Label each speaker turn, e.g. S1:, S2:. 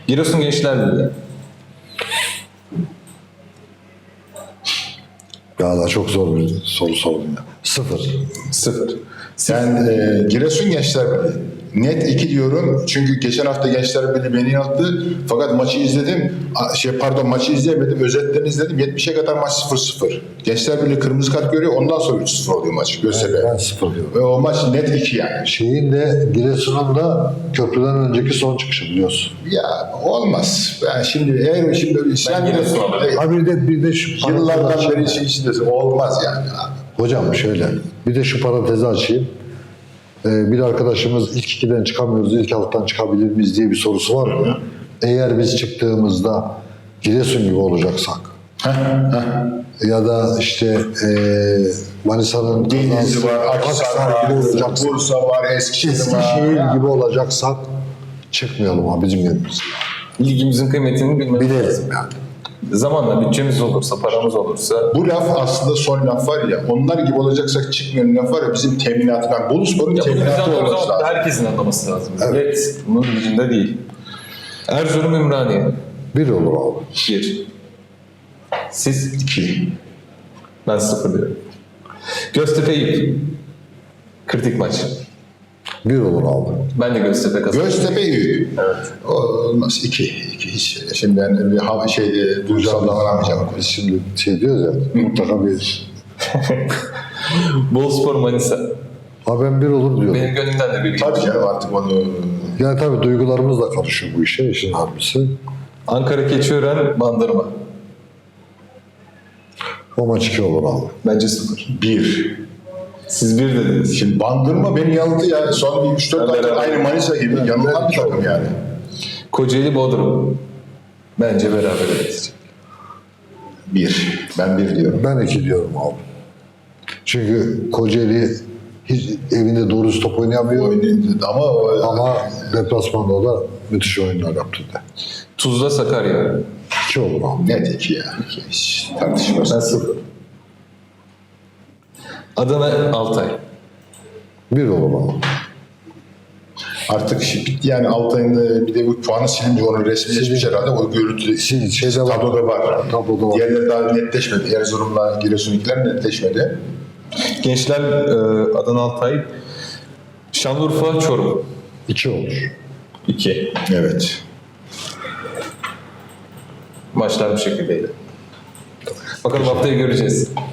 S1: Giresun Gençler Birliği.
S2: Ya da çok zor bir soru sordum ya. 0.
S1: 0.
S3: Ben Giresun Gençler Birliği. Net 2 diyorum. Çünkü geçen hafta Gençler Birliği beni yanılttı. Fakat maçı izledim. Maçı izleyemedim. Özetlerini izledim. 70'e kadar maç 0-0. Gençler Birliği kırmızı kart görüyor. Ondan sonra 3-0 oluyor maç. Göztepe.
S2: Ben 0 diyorum.
S3: Ve o maç net 2 yani.
S2: Şeyin de Giresun'un da köprüden önceki son çıkışı biliyorsun.
S3: Ya olmaz. Ben şimdi eğer şimdi böyle isyan
S1: Giresun alırım.
S2: Ha bir de şu
S3: yıllardan
S2: parantezi
S3: beri
S2: açayım.
S3: içindesin. Olmaz yani.
S2: Hocam şöyle, bir de şu parantezi açayım. Bir arkadaşımız ilk 2'den çıkamıyoruz, ilk 6'dan çıkabilir miyiz diye bir sorusu var ya. Eğer biz çıktığımızda Giresun gibi olacaksak ya da işte Manisa'nın
S3: Denizli var, Akhisar
S2: gibi
S3: var,
S2: olacaksak,
S3: Bursa var, Eskişehir var.
S2: Eskişehir gibi olacaksak çıkmayalım ha bizim yerimiz.
S1: Ligimizin kıymetini bilmemiz
S2: Bilelim
S1: lazım.
S2: yani.
S1: Zamanla bütçemiz olursa, paramız olursa
S3: Bu laf aslında son laf var ya, onlar gibi olacaksak çıkmayan laf var ya, bizim teminatı, ben Boluspor'un
S1: bunu biz
S3: teminatı
S1: anlamamız
S3: olması
S1: ama
S3: lazım.
S1: herkesin anlaması lazım. Evet. Bunun bilincinde değil. Erzurum Ümraniye.
S2: 1 olur abi.
S1: 1. Siz?
S3: 2.
S1: Ben 0 diyorum. Göztepe Eyüp. Kritik maç.
S2: 1 olur abi.
S1: Ben de Göztepe kazandım.
S3: Göztepe Eyüp.
S1: Evet.
S3: Olmaz. 2. Hiç. Şimdi ben bir duygusal davranamayacağım.
S2: Biz şimdi şey diyoruz ya, mutlaka bir...
S1: Boluspor Manisa.
S2: Ha ben 1 olur diyorum.
S1: Benim gönlümden de bir.
S3: Tabii canım artık onu...
S2: Yani tabii duygularımız da karışıyor bu işe, işin harbisi.
S1: Ankara Keçiören Bandırma.
S2: O maç 2 olur abi.
S1: Bence 0.
S3: 1.
S1: Siz 1 dediniz.
S3: Şimdi Bandırma beni yanılttı ya. Son bir 3-4 aydır
S1: beraber.
S3: aynı Manisa gibi. Yanılan bir takım yani.
S1: Kocaeli Bodrum. Bence beraber edecek.
S3: 1. Ben 1 diyorum.
S2: Ben 2 diyorum abi. Çünkü Kocaeli hiç evinde doğru düz top oynayamıyor. Ama deplasmanda da müthiş oyunlar yaptı da.
S1: Tuzla Sakarya.
S2: 2 olur abi.
S3: Net 2 ya. Hiç tartışmaz.
S1: Ben 0. Adana Altay.
S2: 1 olur abi.
S3: Artık bitti yani Altay'ın bir de bu puanı silince onun resmileşmiş herhalde. O görüntü
S2: Şeyde var.
S3: tabloda var.
S2: Tabloda var.
S3: Diğerleri daha netleşmedi. Erzurum'la Giresun'unkiler netleşmedi.
S1: Gençler Adana Altay. Şanlıurfa Çorum.
S2: 2 olur.
S1: 2.
S3: Evet.
S1: Maçlar bu şekildeydi. Bakalım haftayı göreceğiz.